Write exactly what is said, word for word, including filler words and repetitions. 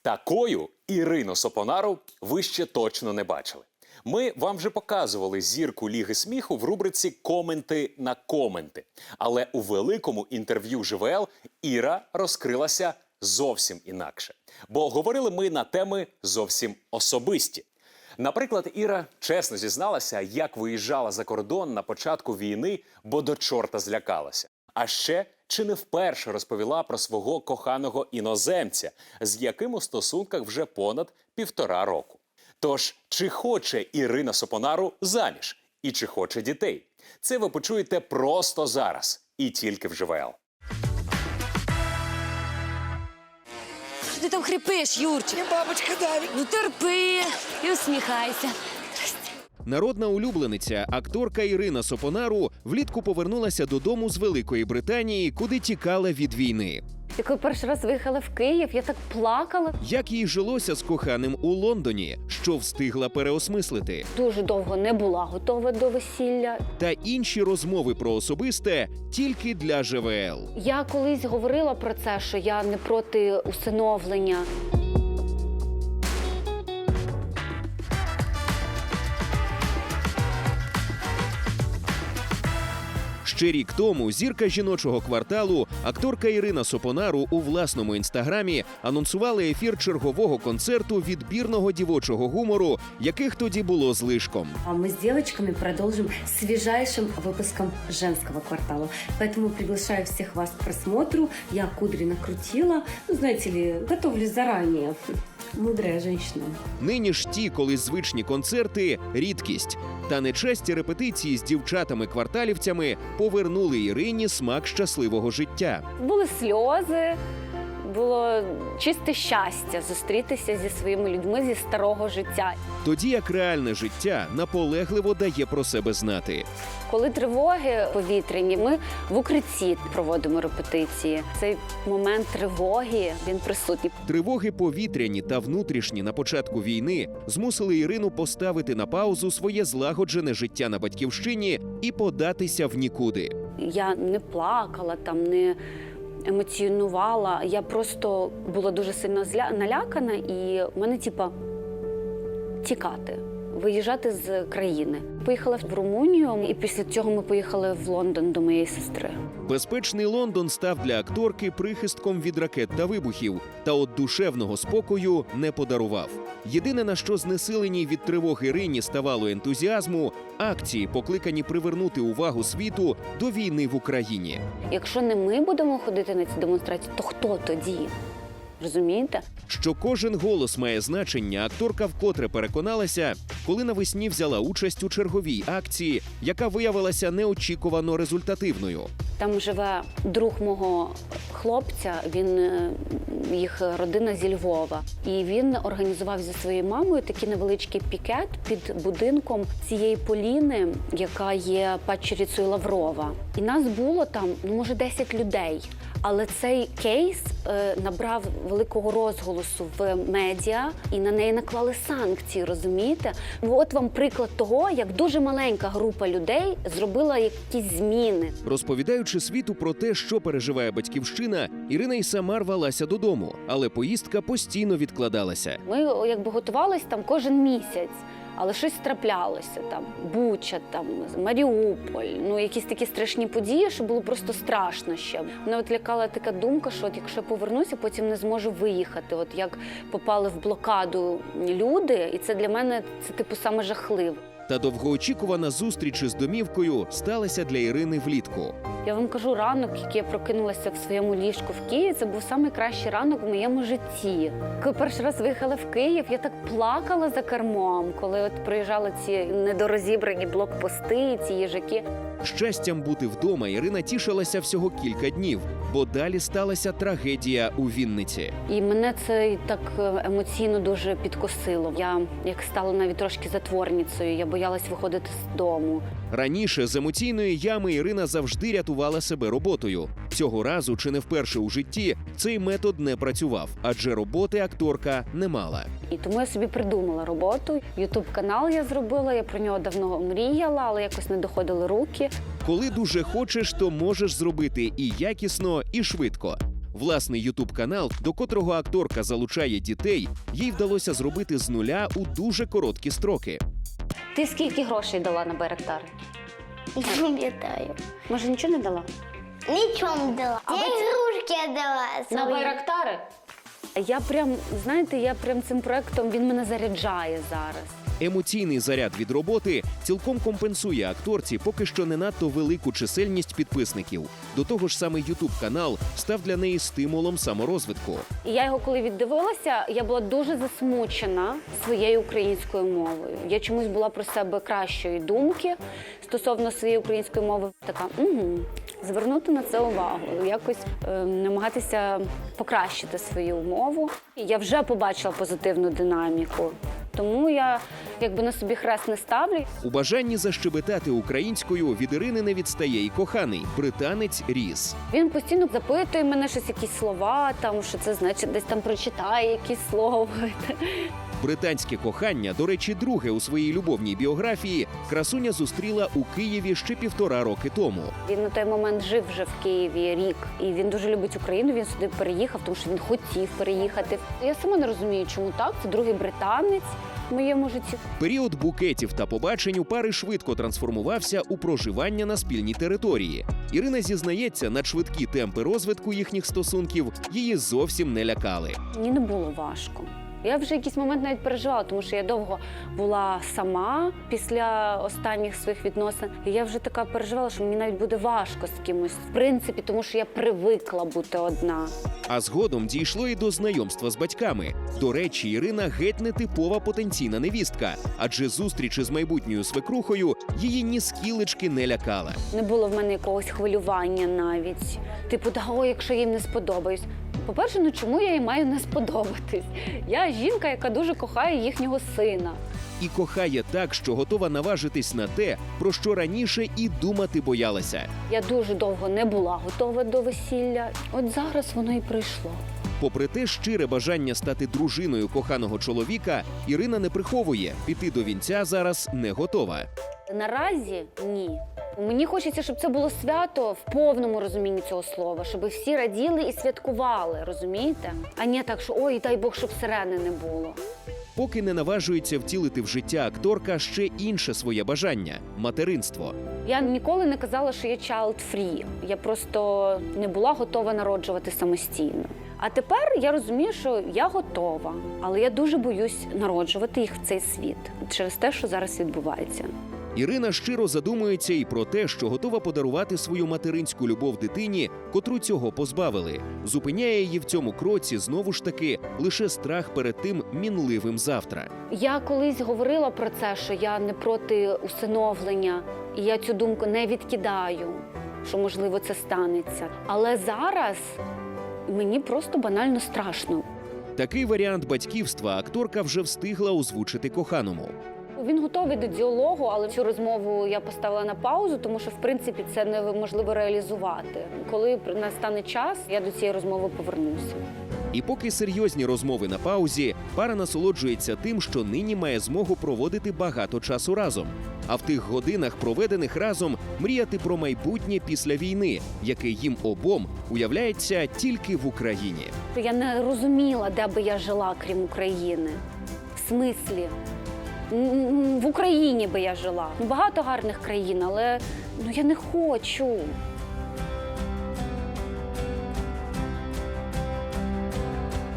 Такою Ірину Сопонару ви ще точно не бачили. Ми вам вже показували зірку Ліги сміху в рубриці «Коменти на коменти». Але у великому інтерв'ю ЖВЛ Іра розкрилася зовсім інакше. Бо говорили ми на теми зовсім особисті. Наприклад, Іра чесно зізналася, як виїжджала за кордон на початку війни, бо до чорта злякалася. А ще чи не вперше розповіла про свого коханого іноземця, з яким у стосунках вже понад півтора року. Тож, чи хоче Ірина Сопонару заміж? І чи хоче дітей? Це ви почуєте просто зараз. І тільки в ЖВЛ. Що ти там хрипиш, Юрчик? Мне бабочка давит. Ну терпи і усміхайся. Народна улюблениця, акторка Ірина Сопонару влітку повернулася додому з Великої Британії, куди тікала від війни. Я коли перший раз виїхала в Київ, я так плакала. Як їй жилося з коханим у Лондоні, що встигла переосмислити. Дуже довго не була готова до весілля. Та інші розмови про особисте тільки для ЖВЛ. Я колись говорила про це, що я не проти усиновлення. Ще рік тому зірка жіночого кварталу, акторка Ірина Сопонару у власному інстаграмі анонсувала ефір чергового концерту відбірного дівочого гумору, яких тоді було злишком. А мы с девочками продолжим свежайшим выпуском женского квартала. Поэтому приглашаю всех вас к просмотру. Я кудри накрутила. Ну, знаете ли, готовлюсь заранее. Мудрая женщина. Нині ж ті, коли звичні концерти – рідкість. Та нечасті репетиції з дівчатами-кварталівцями повернули Ірині смак щасливого життя. Були сльози, було чисте щастя зустрітися зі своїми людьми зі старого життя. Тоді як реальне життя наполегливо дає про себе знати. Коли тривоги повітряні, ми в укритті проводимо репетиції. Цей момент тривоги, він присутній. Тривоги повітряні та внутрішні на початку війни змусили Ірину поставити на паузу своє злагоджене життя на батьківщині і податися в нікуди. Я не плакала, там не емоціонувала. Я просто була дуже сильно зля... налякана, і в мене, типа, тікати, виїжджати з країни. Поїхала в Румунію, і після цього ми поїхали в Лондон до моєї сестри. Безпечний Лондон став для акторки прихистком від ракет та вибухів, та от душевного спокою не подарував. Єдине, на що знесиленій від тривог Ірині ставало ентузіазму – акції, покликані привернути увагу світу до війни в Україні. Якщо не ми будемо ходити на ці демонстрації, то хто тоді? Розумієте? Що кожен голос має значення, акторка вкотре переконалася, коли навесні взяла участь у черговій акції, яка виявилася неочікувано результативною. Там живе друг мого хлопця, він, їх родина зі Львова. І він організував зі своєю мамою такий невеличкий пікет під будинком цієї Поліни, яка є падчерицею Лаврова. І нас було там, ну, може, десять людей. Але цей кейс е, набрав великого розголосу в медіа, і на неї наклали санкції, розумієте? От вам приклад того, як дуже маленька група людей зробила якісь зміни. Розповідаючи світу про те, що переживає батьківщина, Ірина й сама рвалася додому, але поїздка постійно відкладалася. Ми якби готувалися там кожен місяць. Але щось траплялося, там, Буча, там, Маріуполь, ну, якісь такі страшні події, що було просто страшно ще. Мене от лякала така думка, що от якщо я повернуся, потім не зможу виїхати. От як попали в блокаду люди, і це для мене, це типу саме жахливо. Та довгоочікувана зустріч із домівкою сталася для Ірини влітку. Я вам кажу, ранок, який я прокинулася в своєму ліжку в Києві, це був найкращий ранок в моєму житті. Коли перший раз виїхала в Київ, я так плакала за кермом, коли от приїжджали ці недорозібрані блокпости, ці їжаки. Щастям бути вдома Ірина тішилася всього кілька днів, бо далі сталася трагедія у Вінниці. І мене це так емоційно дуже підкосило. Я як стала навіть трошки затворницею, я боялась виходити з дому. Раніше з емоційної ями Ірина завжди рятувала себе роботою. Цього разу, чи не вперше у житті, цей метод не працював, адже роботи акторка не мала. І тому я собі придумала роботу. Ютуб-канал я зробила, я про нього давно мріяла, але якось не доходили руки. Коли дуже хочеш, то можеш зробити і якісно, і швидко. Власний ютуб-канал, до котрого акторка залучає дітей, їй вдалося зробити з нуля у дуже короткі строки. Ти скільки грошей дала на Байрактар? Не пам'ятаю. Може, нічого не дала? Нічого не дала. Я ігрушки дала. На свої. Байрактари? Я прям, знаєте, я прям цим проектом, він мене заряджає зараз. Емоційний заряд від роботи цілком компенсує акторці поки що не надто велику чисельність підписників. До того ж, саме ютуб-канал став для неї стимулом саморозвитку. І я його коли віддивилася, я була дуже засмучена своєю українською мовою. Я чомусь була про себе кращої думки стосовно своєї української мови. Така, угу, звернути на це увагу, якось е, намагатися покращити свою мову. І я вже побачила позитивну динаміку. Тому я якби на собі хрест не ставлю. У бажанні защебетати українською від Ірини не відстає і коханий британець Ріс. Він постійно запитує мене щось, якісь слова, там, що це значить, десь там прочитає якісь слова. Британське кохання, до речі, друге у своїй любовній біографії, красуня зустріла у Києві ще півтора роки тому. Він на той момент жив вже в Києві рік, і він дуже любить Україну, він сюди переїхав, тому що він хотів переїхати. Я сама не розумію, чому так, це другий британець в моєму житті. Період букетів та побачень у пари швидко трансформувався у проживання на спільній території. Ірина зізнається, надшвидкі темпи розвитку їхніх стосунків її зовсім не лякали. Мені не було важко. Я вже якийсь момент навіть переживала, тому що я довго була сама після останніх своїх відносин. І я вже така переживала, що мені навіть буде важко з кимось. В принципі, тому що я привикла бути одна. А згодом дійшло і до знайомства з батьками. До речі, Ірина геть не типова потенційна невістка, адже зустріч із майбутньою свекрухою її ні скілечки не лякала. Не було в мене якогось хвилювання навіть. Типу, да, о, якщо їм не сподобаюсь. По-перше, ну чому я їй маю не сподобатись? Я жінка, яка дуже кохає їхнього сина. І кохає так, що готова наважитись на те, про що раніше і думати боялася. Я дуже довго не була готова до весілля. От зараз воно і прийшло. Попри те щире бажання стати дружиною коханого чоловіка, Ірина не приховує, піти до вінця зараз не готова. Наразі ні. Мені хочеться, щоб це було свято в повному розумінні цього слова, щоб всі раділи і святкували, розумієте? А не так, що ой, дай Бог, щоб сирени не було. Поки не наважується втілити в життя акторка ще інше своє бажання – материнство. Я ніколи не казала, що я child-free. Я просто не була готова народжувати самостійно. А тепер я розумію, що я готова, але я дуже боюсь народжувати їх в цей світ через те, що зараз відбувається. Ірина щиро задумується і про те, що готова подарувати свою материнську любов дитині, котру цього позбавили. Зупиняє її в цьому кроці, знову ж таки, лише страх перед тим мінливим завтра. Я колись говорила про це, що я не проти усиновлення, і я цю думку не відкидаю, що, можливо, це станеться. Але зараз мені просто банально страшно. Такий варіант батьківства акторка вже встигла озвучити коханому. Він готовий до діалогу, але цю розмову я поставила на паузу, тому що, в принципі, це неможливо реалізувати. Коли настане час, я до цієї розмови повернуся. І поки серйозні розмови на паузі, пара насолоджується тим, що нині має змогу проводити багато часу разом. А в тих годинах, проведених разом, мріяти про майбутнє після війни, яке їм обом уявляється тільки в Україні. Я не розуміла, де би я жила, крім України. В смислі? В Україні би я жила. Ну, багато гарних країн, але ну, я не хочу.